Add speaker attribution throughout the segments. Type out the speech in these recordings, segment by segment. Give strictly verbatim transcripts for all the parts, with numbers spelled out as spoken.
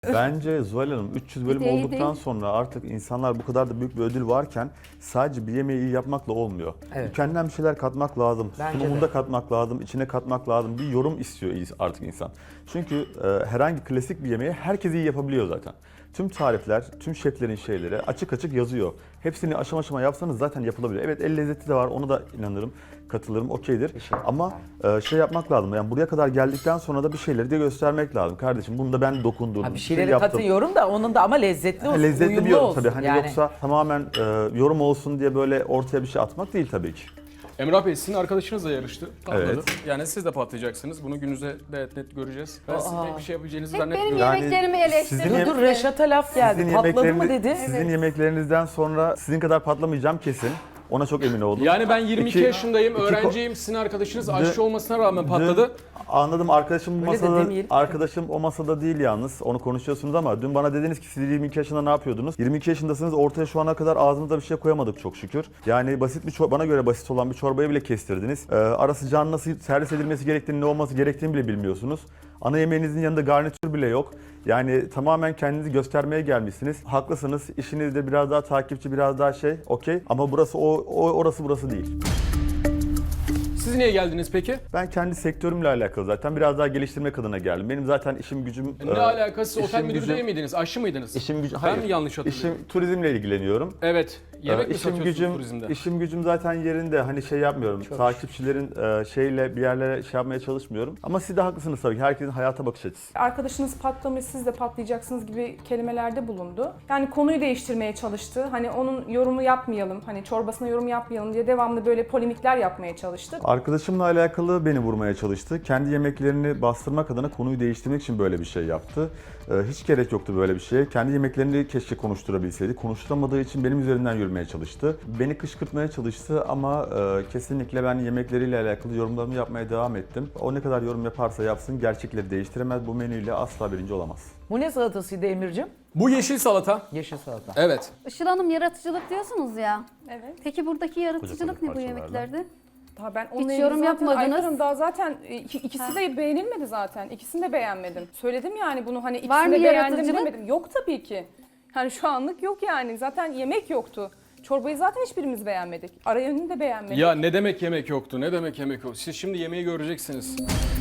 Speaker 1: Bence Zuhal Hanım üç yüz bölüm
Speaker 2: Değil,
Speaker 1: olduktan
Speaker 2: değil.
Speaker 1: sonra artık insanlar bu kadar da büyük bir ödül varken sadece bir yemeği iyi yapmakla olmuyor.
Speaker 3: Evet.
Speaker 1: Kendinden bir şeyler katmak lazım,
Speaker 3: Bence
Speaker 1: sunumunda
Speaker 3: de.
Speaker 1: katmak lazım, içine katmak lazım. Bir yorum istiyor artık insan. Çünkü e, herhangi klasik bir yemeği herkes iyi yapabiliyor zaten. Tüm tarifler, tüm şeflerin şeyleri açık açık yazıyor. Hepsini aşama aşama yapsanız zaten yapılabilir. Evet, el lezzeti de var, ona da inanırım, katılırım, okeydir.
Speaker 3: Teşekkür
Speaker 1: Ama e, şey yapmak lazım, yani buraya kadar geldikten sonra da bir şeyleri de göstermek lazım. Kardeşim bunu da ben dokundum,
Speaker 3: Ha, bir
Speaker 1: bir şey
Speaker 3: şeyleri
Speaker 1: yaptım.
Speaker 3: katılıyorum da onun da ama lezzetli olsun,
Speaker 1: Lezzetli
Speaker 3: uyumlu
Speaker 1: bir yorum
Speaker 3: olsun.
Speaker 1: tabii. Hani
Speaker 3: yani.
Speaker 1: yoksa tamamen e, yorum olsun diye böyle ortaya bir şey atmak değil tabii ki.
Speaker 4: Emrah Bey sizin arkadaşınız da yarıştı. Patladı.
Speaker 1: Evet.
Speaker 4: Yani siz de patlayacaksınız. Bunu gününüzde net net göreceğiz. Ben sizin
Speaker 3: Aa.
Speaker 4: pek bir şey yapabileceğinizi
Speaker 2: Hep benim
Speaker 4: zannetmiyorum.
Speaker 1: Yani
Speaker 2: yemeklerimi
Speaker 1: sizin
Speaker 2: eleştirdin.
Speaker 1: yem-
Speaker 3: Dur dur Reşat'a laf geldi.
Speaker 1: Sizin
Speaker 3: Patladı mı
Speaker 1: yemekleriniz-
Speaker 3: dedi?
Speaker 1: Sizin yemeklerinizden sonra sizin kadar patlamayacağım kesin. Ona çok emin oldum.
Speaker 4: Yani ben yirmi iki
Speaker 1: İki-
Speaker 4: yaşındayım,
Speaker 1: iki ko-
Speaker 4: öğrenciyim. Sizin arkadaşınız aşçı olmasına rağmen patladı.
Speaker 1: Dün anladım, arkadaşım bu
Speaker 3: Öyle de
Speaker 1: masada,
Speaker 3: demeyelim.
Speaker 1: arkadaşım o masada değil yalnız. Onu konuşuyorsunuz ama dün bana dediniz ki siz yirmi iki yaşında ne yapıyordunuz? yirmi iki yaşındasınız, ortaya şu ana kadar ağzımıza bir şey koyamadık çok şükür. Yani basit bir çor- bana göre basit olan bir çorbayı bile kestirdiniz. Ee, ara sıcağın nasıl servis edilmesi gerektiğini, ne olması gerektiğini bile bilmiyorsunuz. Ana yemeğinizin yanında garnitür bile yok. Yani tamamen kendinizi göstermeye gelmişsiniz. Haklısınız. İşinizde biraz daha takipçi, biraz daha şey, okey. Ama burası o, o orası burası değil.
Speaker 4: Siz niye geldiniz peki?
Speaker 1: Ben kendi sektörümle alakalı zaten biraz daha geliştirmek adına geldim. Benim zaten işim gücüm...
Speaker 4: Ne
Speaker 1: e,
Speaker 4: alakası? Otel
Speaker 1: işim
Speaker 4: müdürü
Speaker 1: gücüm-
Speaker 4: değil miydiniz? Aşçı mıydınız?
Speaker 1: İşim gücüm...
Speaker 4: Ben
Speaker 1: Hayır.
Speaker 4: mi yanlış hatırlıyorum?
Speaker 1: İşim turizmle ilgileniyorum.
Speaker 4: Evet. Yemek
Speaker 1: Ee,
Speaker 4: mi
Speaker 1: işim
Speaker 4: satıyorsunuz
Speaker 1: gücüm,
Speaker 4: turizmde?
Speaker 1: işim gücüm zaten yerinde. Hani şey yapmıyorum. Takipçilerin e, şeyle bir yerlere şey yapmaya çalışmıyorum. Ama siz de haklısınız tabii ki. Herkesin hayata bakış açısı.
Speaker 5: Arkadaşınız patlamış, siz de patlayacaksınız gibi kelimelerde bulundu. Yani konuyu değiştirmeye çalıştı. Hani onun yorumu yapmayalım, hani çorbasına yorum yapmayalım diye devamlı böyle polemikler yapmaya çalıştı.
Speaker 1: Arkadaşımla alakalı beni vurmaya çalıştı. Kendi yemeklerini bastırmak adına konuyu değiştirmek için böyle bir şey yaptı. Ee, hiç gerek yoktu böyle bir şeye. Kendi yemeklerini keşke konuşturabilseydi. Konuşturamadığı için benim üzerimden yürümeye çalıştı. Beni kışkırtmaya çalıştı ama e, kesinlikle ben yemekleriyle alakalı yorumlarımı yapmaya devam ettim. O ne kadar yorum yaparsa yapsın gerçekleri değiştiremez. Bu menüyle asla birinci olamaz.
Speaker 3: Bu ne salatasıydı Emir'cim?
Speaker 4: Bu yeşil salata.
Speaker 3: Yeşil salata.
Speaker 4: Evet.
Speaker 2: Işıl Hanım yaratıcılık diyorsunuz ya.
Speaker 5: Evet.
Speaker 2: Peki buradaki yaratıcılık
Speaker 1: koca
Speaker 2: ne bu
Speaker 1: parçalarla.
Speaker 2: yemeklerde?
Speaker 5: Daha ben
Speaker 2: Hiç
Speaker 5: onunla
Speaker 2: yorum
Speaker 5: ilgili zaten
Speaker 2: yapmadınız.
Speaker 5: Ayfer Hanım daha zaten iki- ikisi de beğenilmedi zaten. İkisini de beğenmedim. Söyledim yani bunu hani
Speaker 2: Var
Speaker 5: ikisini
Speaker 2: mı
Speaker 5: de beğendim
Speaker 2: yaratıcılık?
Speaker 5: demedim. Yok tabii ki. Yani şu anlık yok yani. Zaten yemek yoktu. Çorbayı zaten hiçbirimiz beğenmedik. Ara yönünü de beğenmedik.
Speaker 4: Ya ne demek yemek yoktu? Ne demek yemek yoktu? Siz şimdi yemeği göreceksiniz.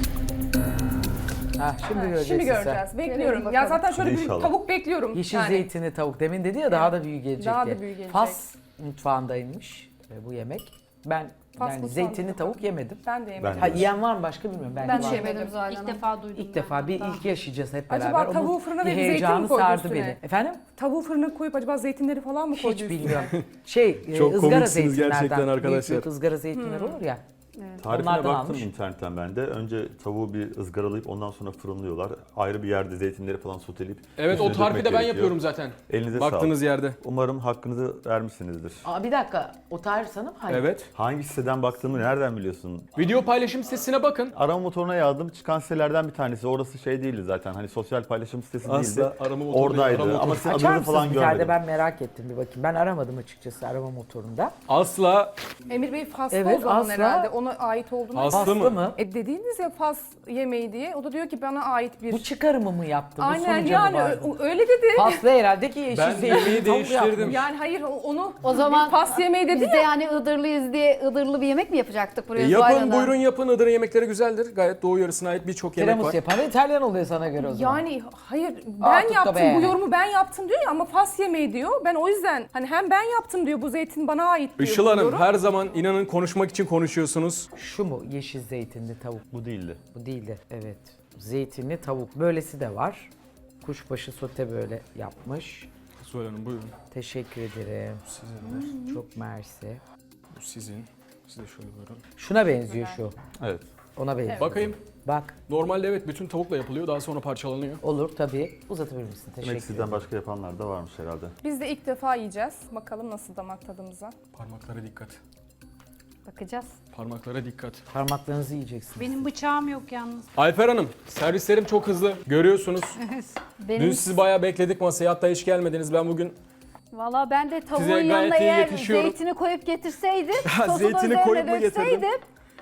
Speaker 3: Ha, şimdi göreceksin
Speaker 5: Şimdi
Speaker 3: sen.
Speaker 5: göreceğiz.
Speaker 2: Görelim
Speaker 5: Bekliyorum.
Speaker 2: bakalım.
Speaker 5: Ya zaten şöyle bir
Speaker 1: İnşallah.
Speaker 5: tavuk bekliyorum.
Speaker 3: Yeşil
Speaker 5: yani.
Speaker 3: zeytini tavuk. Demin dedi ya daha da büyük gelecek
Speaker 5: Daha
Speaker 3: diye.
Speaker 5: da büyük gelecek.
Speaker 3: Fas mutfağındaymış e, bu yemek. Ben
Speaker 5: Fas
Speaker 3: yani
Speaker 5: mutfağında
Speaker 3: zeytinli
Speaker 5: da
Speaker 3: tavuk yemedim.
Speaker 5: Ben de yemedim.
Speaker 1: Ben
Speaker 3: Ha yiyen var mı başka bilmiyorum. Belki
Speaker 2: Ben de
Speaker 3: var.
Speaker 2: yemedim zaten.
Speaker 6: İlk defa duydum.
Speaker 3: İlk defa bir ilk yaşayacağız hep beraber.
Speaker 5: Acaba
Speaker 3: Onun
Speaker 5: tavuğu fırına
Speaker 3: bir
Speaker 5: verip zeytin mi
Speaker 3: heyecanı
Speaker 5: koydu
Speaker 3: sardı
Speaker 5: üstüne?
Speaker 3: beni. Efendim?
Speaker 5: Tavuğu fırına koyup acaba zeytinleri falan mı koydu
Speaker 3: Hiç
Speaker 5: üstüne?
Speaker 3: bilmiyorum. Şey, e,
Speaker 4: Çok
Speaker 3: ızgara
Speaker 4: komiksiniz
Speaker 3: zeytinlerden.
Speaker 4: gerçekten arkadaşlar.
Speaker 3: Büyük büyük ızgara zeytinler olur ya.
Speaker 1: Tarifine
Speaker 3: Onlardan
Speaker 1: baktım
Speaker 3: almış.
Speaker 1: internetten ben de. Önce tavuğu bir ızgaralayıp ondan sonra fırınlıyorlar. Ayrı bir yerde zeytinleri falan soteleyip
Speaker 4: Evet
Speaker 1: üstüne
Speaker 4: o tarifi
Speaker 1: dökmek
Speaker 4: de ben
Speaker 1: gerekiyor.
Speaker 4: yapıyorum zaten.
Speaker 1: Elinize
Speaker 4: Baktığınız
Speaker 1: sağlık.
Speaker 4: yerde.
Speaker 1: Umarım hakkınızı vermişsinizdir.
Speaker 3: Aa, bir dakika. O tarif sana mı? Hayır.
Speaker 4: Evet.
Speaker 1: Hangi siteden baktığımı nereden biliyorsun?
Speaker 4: Video paylaşım sitesine bakın.
Speaker 1: Arama motoruna yazdım. Çıkan sitelerden bir tanesi. Orası şey değildi zaten. Hani sosyal paylaşım sitesi değildi.
Speaker 4: arama motoru değil,
Speaker 1: Oradaydı.
Speaker 4: arama
Speaker 1: Ama
Speaker 4: motoru.
Speaker 1: sizin
Speaker 3: Açar
Speaker 1: adınızı
Speaker 3: mısınız
Speaker 1: falan
Speaker 3: bir tane de
Speaker 1: görmedim.
Speaker 3: ben merak ettim bir bakayım. Ben aramadım açıkçası arama motorunda.
Speaker 4: Asla
Speaker 5: Emir Bey Faslı
Speaker 3: Evet,
Speaker 5: o zaman
Speaker 3: asla.
Speaker 5: herhalde. Ona ait olduğunu.
Speaker 4: Aslı
Speaker 3: Aslı
Speaker 4: mı?
Speaker 3: mı?
Speaker 5: E dediğiniz ya Fas yemeği diye. O da diyor ki bana ait bir...
Speaker 3: Bu çıkarımı mı yaptı? Bu
Speaker 5: Aynen
Speaker 3: sonuca
Speaker 5: yani
Speaker 3: mı vardı?
Speaker 5: ö- öyle dedi.
Speaker 3: Faslı herhalde ki yeşil
Speaker 4: Ben
Speaker 3: zeytinli
Speaker 4: yemeği
Speaker 3: tavuk
Speaker 4: değiştirdim.
Speaker 3: yapmış.
Speaker 5: Yani hayır o- onu
Speaker 2: O zaman
Speaker 5: bir Fas yemeği dedi
Speaker 2: biz de
Speaker 5: ya.
Speaker 2: yani Iğdırlıyız diye Iğdırlı bir yemek mi yapacaktık buraya?
Speaker 4: E,
Speaker 2: Zuhal
Speaker 4: yapın
Speaker 2: Hanım?
Speaker 4: buyurun yapın. Iğdır'ın yemekleri güzeldir. Gayet Doğu yarısına ait birçok yemek
Speaker 3: Tiramisu
Speaker 4: var.
Speaker 3: yapan İtalyan oluyor sana göre o zaman.
Speaker 5: Yani hayır
Speaker 3: Aa,
Speaker 5: ben
Speaker 3: tut da
Speaker 5: yaptım
Speaker 3: be.
Speaker 5: bu yorumu ben yaptım diyor ya ama Fas yemeği diyor. Ben o yüzden hani hem ben yaptım diyor bu zeytin bana ait diyor.
Speaker 4: Işıl
Speaker 5: bu
Speaker 4: Hanım
Speaker 5: yorum.
Speaker 4: her zaman inanın konuşmak için konuşuyorsunuz.
Speaker 3: Şu mu yeşil zeytinli tavuk?
Speaker 1: Bu değildi.
Speaker 3: Bu değildi. Evet. Zeytinli tavuk. Böylesi de var. Kuşbaşı sote böyle yapmış.
Speaker 4: Zuhal Hanım buyurun.
Speaker 3: Teşekkür ederim.
Speaker 4: Sizindir.
Speaker 3: Çok mersi.
Speaker 4: Bu sizin. Siz de şöyle buyurun.
Speaker 3: Şuna benziyor şu.
Speaker 1: Evet.
Speaker 3: Ona benziyor.
Speaker 4: Bakayım.
Speaker 3: Bak.
Speaker 4: Normalde evet bütün tavukla yapılıyor. Daha sonra parçalanıyor.
Speaker 3: Olur tabii. Uzatabilir misin?
Speaker 1: Demek
Speaker 3: Teşekkür
Speaker 1: sizden
Speaker 3: ederim.
Speaker 1: başka yapanlar da varmış herhalde.
Speaker 5: Biz de ilk defa yiyeceğiz. Bakalım nasıl damak tadımıza.
Speaker 4: Parmaklara dikkat.
Speaker 2: Bakacağız.
Speaker 4: Parmaklara dikkat.
Speaker 3: Parmaklarınızı yiyeceksiniz.
Speaker 6: Benim bıçağım yok yalnız.
Speaker 4: Alper Hanım, servislerim çok hızlı. Görüyorsunuz.
Speaker 2: Benim,
Speaker 4: Dün sizi bayağı bekledik masaya. Hatta hiç gelmediniz. Ben bugün
Speaker 2: Valla ben de tavuğun
Speaker 4: Size gayet
Speaker 2: yanına
Speaker 4: iyi
Speaker 2: eğer
Speaker 4: yetişiyorum.
Speaker 2: zeytini koyup getirseydim,
Speaker 4: Ha,
Speaker 2: sosu da
Speaker 4: zeytini
Speaker 2: üzerine
Speaker 4: koyup mu getirdin?
Speaker 2: dökseydim,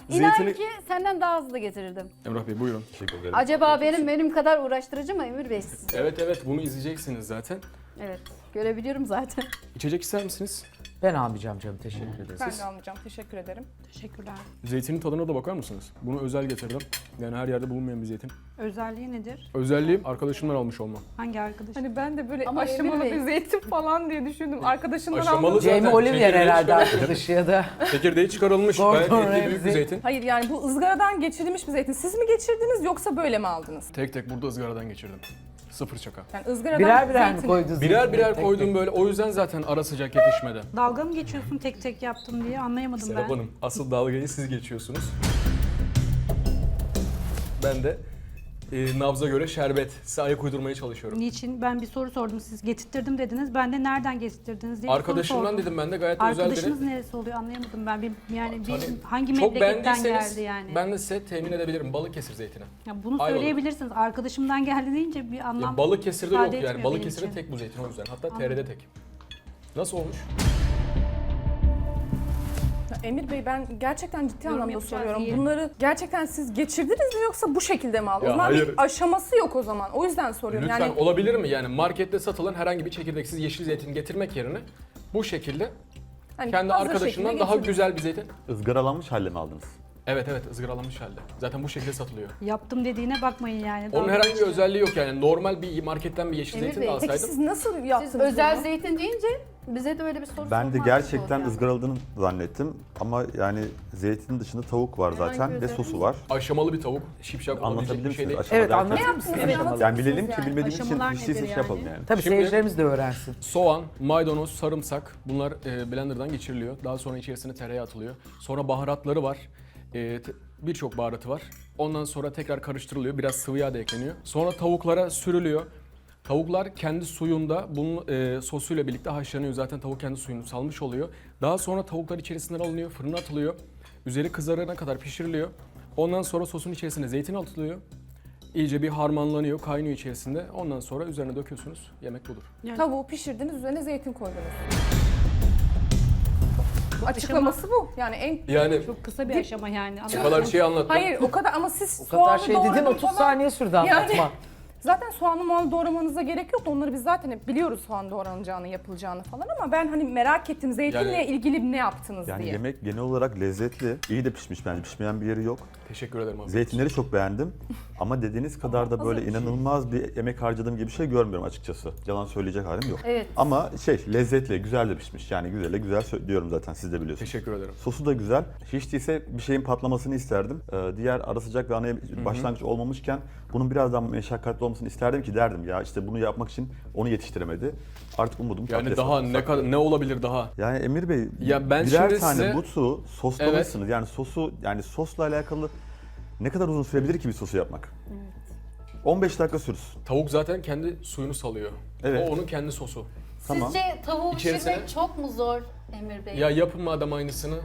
Speaker 2: İnan
Speaker 4: Zeytini...
Speaker 2: ki senden daha hızlı getirirdim.
Speaker 4: Emrah Bey buyurun.
Speaker 1: Teşekkür ederim.
Speaker 2: Acaba benim benim kadar uğraştırıcı mı Emir Bey?
Speaker 4: Evet evet bunu izleyeceksiniz zaten.
Speaker 2: Evet, görebiliyorum zaten.
Speaker 4: İçecek ister misiniz?
Speaker 3: Ben almayacağım canım, teşekkür ederiz.
Speaker 5: Ben de almayacağım. Teşekkür ederim.
Speaker 6: Teşekkürler.
Speaker 4: Zeytinin tadına da bakar mısınız? Bunu özel getirdim. Yani her yerde bulunmayan bir zeytin.
Speaker 6: Özelliği nedir?
Speaker 4: Özelliğim arkadaşımdan almış olmam.
Speaker 6: Hangi arkadaş?
Speaker 5: Hani ben de böyle
Speaker 2: Ama
Speaker 5: aşamalı
Speaker 2: Emir Bey-
Speaker 5: bir zeytin falan diye düşündüm. Arkadaşımdan
Speaker 4: Aşamalı
Speaker 5: aldım.
Speaker 4: zaten.
Speaker 3: Jamie Oliver
Speaker 4: çekirdeği
Speaker 3: herhalde
Speaker 4: çıkarılmış.
Speaker 3: arkadaşı ya da.
Speaker 4: Çekirdeği çıkarılmış.
Speaker 3: Gordon
Speaker 4: Gayet etli büyük bir
Speaker 3: Ramsay.
Speaker 4: zeytin.
Speaker 5: Hayır yani bu ızgaradan geçirilmiş bir zeytin. Siz mi geçirdiniz yoksa böyle mi aldınız?
Speaker 4: Tek tek burada ızgaradan geçirdim. Sıfır şaka.
Speaker 5: Yani ızgaradan
Speaker 3: Birer birer mi
Speaker 5: zeytin-
Speaker 3: koydunuz?
Speaker 4: Birer birer
Speaker 3: Tek
Speaker 4: koydum
Speaker 3: tek.
Speaker 4: böyle. O yüzden zaten ara sıcak yetişmedi.
Speaker 6: Dalga mı geçiyorsun tek tek yaptım diye anlayamadım
Speaker 4: Serap
Speaker 6: ben.
Speaker 4: Hanım, asıl dalgayı siz geçiyorsunuz. Ben de e, nabza göre şerbet, size ayak uydurmaya çalışıyorum.
Speaker 6: Niçin? Ben bir soru sordum. Siz getirttirdim dediniz. Ben de nereden getirttirdiniz diye bir soru
Speaker 4: Arkadaşımdan
Speaker 6: sordum.
Speaker 4: dedim ben de gayet özel
Speaker 6: Arkadaşınız
Speaker 4: biri.
Speaker 6: neresi oluyor anlayamadım ben. Bir, yani bir,
Speaker 4: Hani
Speaker 6: hangi
Speaker 4: Çok
Speaker 6: memleketten
Speaker 4: beğendiyseniz
Speaker 6: geldi yani?
Speaker 4: ben de size temin edebilirim Balıkesir zeytini.
Speaker 6: Ya bunu
Speaker 4: Ayvalık.
Speaker 6: söyleyebilirsiniz. Arkadaşımdan geldi deyince bir anlam
Speaker 4: Ya Balıkesir'de
Speaker 6: ifade
Speaker 4: yok yani.
Speaker 6: etmiyor
Speaker 4: Balıkesir'de
Speaker 6: benim için.
Speaker 4: tek bu zeytin o yüzden. Hatta
Speaker 6: Anladım.
Speaker 4: T R'de tek. Nasıl olmuş?
Speaker 5: Ya Emir Bey ben gerçekten ciddi
Speaker 6: Yorum
Speaker 5: anlamda
Speaker 6: yapacağız
Speaker 5: soruyorum.
Speaker 6: diye.
Speaker 5: Bunları gerçekten siz geçirdiniz mi yoksa bu şekilde mi aldınız?
Speaker 4: Ya
Speaker 5: O zaman
Speaker 4: hayır.
Speaker 5: bir aşaması yok o zaman. O yüzden soruyorum.
Speaker 4: Lütfen
Speaker 5: Yani
Speaker 4: olabilir mi? Yani markette satılan herhangi bir çekirdeksiz yeşil zeytin getirmek yerine bu şekilde
Speaker 5: hani
Speaker 4: kendi
Speaker 5: hazır
Speaker 4: arkadaşından
Speaker 5: şekilde
Speaker 4: daha
Speaker 5: getirdiniz.
Speaker 4: güzel bir zeytin.
Speaker 1: Izgaralanmış halle mi aldınız?
Speaker 4: Evet evet ızgaralanmış halde. Zaten bu şekilde satılıyor.
Speaker 6: yaptım dediğine bakmayın yani.
Speaker 4: Onun
Speaker 6: Dalga
Speaker 4: herhangi bir
Speaker 6: geçiyor.
Speaker 4: özelliği yok yani. Normal bir marketten bir yeşil
Speaker 2: Emir
Speaker 4: zeytin
Speaker 2: Bey,
Speaker 4: de
Speaker 2: peki
Speaker 5: Peki
Speaker 4: alsaydım.
Speaker 5: siz nasıl yaptınız
Speaker 2: Siz özel
Speaker 5: bunu?
Speaker 2: zeytin deyince bize de öyle bir soru
Speaker 1: Ben de
Speaker 2: sormak
Speaker 1: gerçekten
Speaker 2: oldu yani.
Speaker 1: ızgaraladığını zannettim. Ama yani zeytinin dışında tavuk var
Speaker 2: Herhangi
Speaker 1: zaten ve
Speaker 2: özelliği
Speaker 1: sosu
Speaker 2: mi?
Speaker 1: var.
Speaker 4: Aşamalı bir tavuk. Şipşak olabilecek
Speaker 1: Anlatabilir
Speaker 4: bir şey
Speaker 1: misiniz?
Speaker 4: değil.
Speaker 1: Aşama
Speaker 3: Evet,
Speaker 1: derken-
Speaker 3: anlatır
Speaker 5: Ne yaptınız?
Speaker 3: mısınız?
Speaker 5: Evet,
Speaker 3: aşamaları?
Speaker 1: Yani bilelim ki
Speaker 5: Yani
Speaker 1: bilmediğimiz için
Speaker 6: aşamalar
Speaker 1: hiç değilse
Speaker 6: nedir
Speaker 1: şey
Speaker 6: yani?
Speaker 1: yapalım yani.
Speaker 3: Tabii
Speaker 4: Şimdi-
Speaker 3: seyircilerimiz de öğrensin.
Speaker 4: Soğan, maydanoz, sarımsak bunlar e, blenderdan geçiriliyor. Daha sonra içerisine tereyağı atılıyor. Sonra baharatları var. E, te- Birçok baharatı var. Ondan sonra tekrar karıştırılıyor. Biraz sıvı yağ da ekleniyor. Sonra tavuklara sürülüyor. Tavuklar kendi suyunda bunun e, sosuyla birlikte haşlanıyor. Zaten tavuk kendi suyunu salmış oluyor. Daha sonra tavuklar içerisinden alınıyor, fırına atılıyor. Üzeri kızarana kadar pişiriliyor. Ondan sonra sosun içerisine zeytin atılıyor. İyice bir harmanlanıyor, kaynıyor içerisinde. Ondan sonra üzerine döküyorsunuz. Yemek budur.
Speaker 5: Tavuğu pişirdiniz, üzerine zeytin koydunuz. Açıklaması bu. Yani en
Speaker 4: Yani
Speaker 6: Çok kısa bir aşama yani.
Speaker 4: bu kadar şey anlattım.
Speaker 5: Hayır o kadar ama siz
Speaker 3: O kadar
Speaker 5: soğanı
Speaker 3: şey dedin
Speaker 5: doğradın
Speaker 3: otuz
Speaker 5: falan.
Speaker 3: saniye sürdü
Speaker 5: Yani-
Speaker 3: anlatma.
Speaker 5: Zaten soğanı muanı doğramanıza gerek yok. Onları biz zaten hep biliyoruz soğan doğranacağını, yapılacağını falan ama ben hani merak ettim zeytinle
Speaker 4: Yani-
Speaker 5: ilgili ne yaptınız
Speaker 1: Yani
Speaker 5: diye.
Speaker 1: yemek genel olarak lezzetli. İyi de pişmiş bence. Pişmeyen bir yeri yok.
Speaker 4: Teşekkür ederim abi.
Speaker 1: Zeytinleri çok beğendim. Ama dediğiniz kadar da böyle
Speaker 5: hazır bir şey.
Speaker 1: inanılmaz bir emek harcadığım gibi bir şey görmüyorum açıkçası. Yalan söyleyecek halim yok.
Speaker 2: Evet.
Speaker 1: Ama şey lezzetli, güzel de pişmiş. Yani güzele güzel sö- diyorum zaten siz de biliyorsunuz.
Speaker 4: Teşekkür ederim.
Speaker 1: Sosu da güzel. Hiç değilse bir şeyin patlamasını isterdim. Ee, diğer ara sıcak ve ana yeme- başlangıç olmamışken bunun biraz daha meşakkatli olmasını isterdim ki derdim ya işte bunu yapmak için onu yetiştiremedi. Artık umudum
Speaker 4: Yani
Speaker 1: patates
Speaker 4: daha
Speaker 1: oldu.
Speaker 4: ne kadar ne olabilir daha?
Speaker 1: Yani Emir Bey
Speaker 4: Ya ben
Speaker 1: birer
Speaker 4: şimdi
Speaker 1: tane
Speaker 4: size-
Speaker 1: butu soslamışsınız. Yani sosu yani sosla alakalı ne kadar uzun sürebilir ki bir sosu yapmak? on beş dakika sürsün.
Speaker 4: Tavuk zaten kendi suyunu salıyor.
Speaker 1: Evet.
Speaker 4: O onun kendi sosu.
Speaker 1: Tamam.
Speaker 2: Sizce tavuğu
Speaker 4: İçerisine-
Speaker 2: pişirmek çok mu zor Emir Bey?
Speaker 4: Ya yapın madem aynısını.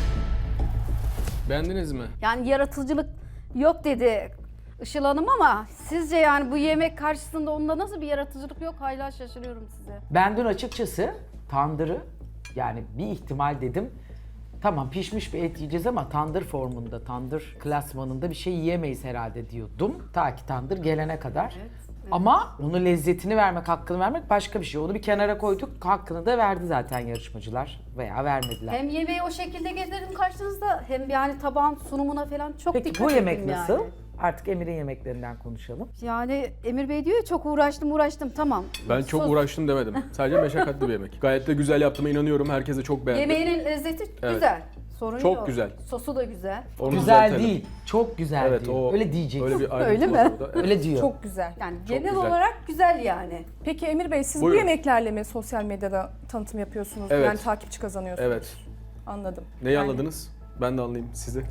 Speaker 4: Beğendiniz mi?
Speaker 2: Yani yaratıcılık yok dedi Işıl Hanım ama sizce yani bu yemek karşısında onda nasıl bir yaratıcılık yok? Hala şaşırıyorum size.
Speaker 3: Ben dün açıkçası tandırı yani bir ihtimal dedim. Tamam pişmiş bir et yiyeceğiz ama tandır formunda, tandır klasmanında bir şey yiyemeyiz herhalde diyordum. Ta ki tandır gelene kadar. Ama onun lezzetini vermek, hakkını vermek başka bir şey. Onu bir kenara koyduk, hakkını da verdi zaten yarışmacılar veya vermediler.
Speaker 2: Hem yemeği o şekilde getirdim karşınızda hem yani tabağın sunumuna falan çok
Speaker 3: Peki
Speaker 2: dikkat
Speaker 3: bu yemek
Speaker 2: ettim
Speaker 3: nasıl?
Speaker 2: yani.
Speaker 3: Artık Emir'in yemeklerinden konuşalım.
Speaker 2: Yani Emir Bey diyor ya çok uğraştım uğraştım tamam.
Speaker 4: Ben çok
Speaker 2: Sos-
Speaker 4: uğraştım demedim. Sadece meşakkatli bir yemek. Gayet de güzel yaptığıma inanıyorum. Herkes de çok beğendi.
Speaker 2: Yemeğinin lezzeti
Speaker 4: Evet.
Speaker 2: güzel. Sorun
Speaker 4: Çok
Speaker 2: yok.
Speaker 4: güzel.
Speaker 2: Sosu da güzel.
Speaker 4: Onu
Speaker 3: Güzel
Speaker 4: düzeltelim.
Speaker 3: değil, çok güzel
Speaker 4: Evet,
Speaker 3: diyor.
Speaker 4: o-
Speaker 3: Öyle diyeceksin.
Speaker 4: Öyle bir ayrıntı
Speaker 2: Öyle
Speaker 4: var
Speaker 2: mi?
Speaker 4: orada. Evet.
Speaker 3: Öyle diyor.
Speaker 5: Çok güzel.
Speaker 2: Yani
Speaker 4: Çok
Speaker 2: genel
Speaker 4: güzel.
Speaker 2: olarak güzel yani.
Speaker 5: Peki Emir Bey siz
Speaker 4: Buyurun.
Speaker 5: bu yemeklerle mi sosyal medyada tanıtım yapıyorsunuz?
Speaker 4: Evet.
Speaker 5: Yani takipçi kazanıyorsunuz.
Speaker 4: Evet.
Speaker 5: Anladım.
Speaker 4: Neyi
Speaker 5: Yani-
Speaker 4: anladınız? Ben de anlayayım sizi.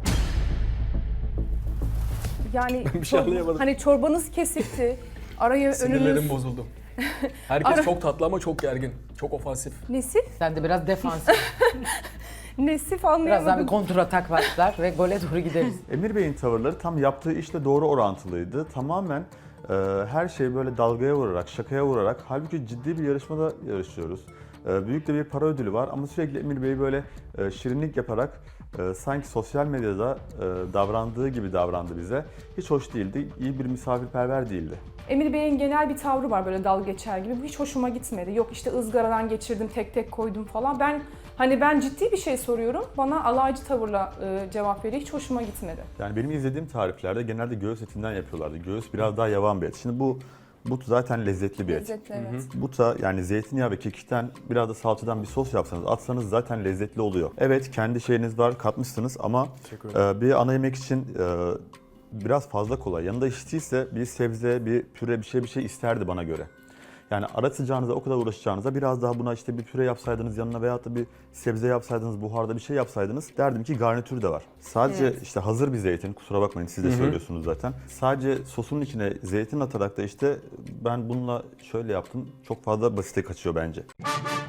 Speaker 5: Yani
Speaker 4: bir şey
Speaker 5: çor-
Speaker 4: anlayamadım.
Speaker 5: Hani çorbanız kesikti. Araya
Speaker 4: Sinirlerim
Speaker 5: önünüz
Speaker 4: bozuldu. Herkes
Speaker 5: Ara-
Speaker 4: çok tatlı ama çok gergin. Çok ofansif.
Speaker 5: nesif,
Speaker 3: Sen de biraz defansif,
Speaker 5: nesif
Speaker 3: birazdan bir
Speaker 5: anlayamadım.
Speaker 3: kontratak başlar ve gole doğru gideriz.
Speaker 1: Emir Bey'in tavırları tam yaptığı işle doğru orantılıydı. Tamamen e, her şeyi böyle dalgaya vurarak, şakaya vurarak, halbuki ciddi bir yarışmada yarışıyoruz. E, büyük de bir para ödülü var ama sürekli Emir Bey böyle e, şirinlik yaparak e, sanki sosyal medyada e, davrandığı gibi davrandı bize. Hiç hoş değildi, iyi bir misafirperver değildi.
Speaker 5: Emir Bey'in genel bir tavrı var böyle dalga geçer gibi. Bu hiç hoşuma gitmedi. Yok işte ızgaradan geçirdim, tek tek koydum falan. Ben hani ben ciddi bir şey soruyorum. Bana alaycı tavırla e, cevap veriyor. Hiç hoşuma gitmedi.
Speaker 1: Yani benim izlediğim tariflerde genelde göğüs etinden yapıyorlardı. Göğüs biraz daha yavan bir et. Şimdi bu but zaten lezzetli bir et.
Speaker 5: Lezzetli, evet.
Speaker 1: Buta yani zeytinyağı ve kekikten biraz da salçadan bir sos yapsanız, atsanız zaten lezzetli oluyor. Evet kendi şeyiniz var, katmışsınız ama
Speaker 4: Teşekkür ederim.
Speaker 1: e, bir ana yemek için e, biraz fazla kolay. Yanında içtiyse bir sebze, bir püre, bir şey bir şey isterdi bana göre. Yani aratacağınıza, o kadar uğraşacağınıza biraz daha buna işte bir püre yapsaydınız yanına veyahut da bir sebze yapsaydınız, buharda bir şey yapsaydınız derdim ki garnitür de var. Sadece
Speaker 2: Evet.
Speaker 1: işte hazır bir zeytin, kusura bakmayın siz de söylüyorsunuz zaten. Sadece sosunun içine zeytin atarak da işte ben bununla şöyle yaptım, çok fazla basite kaçıyor bence.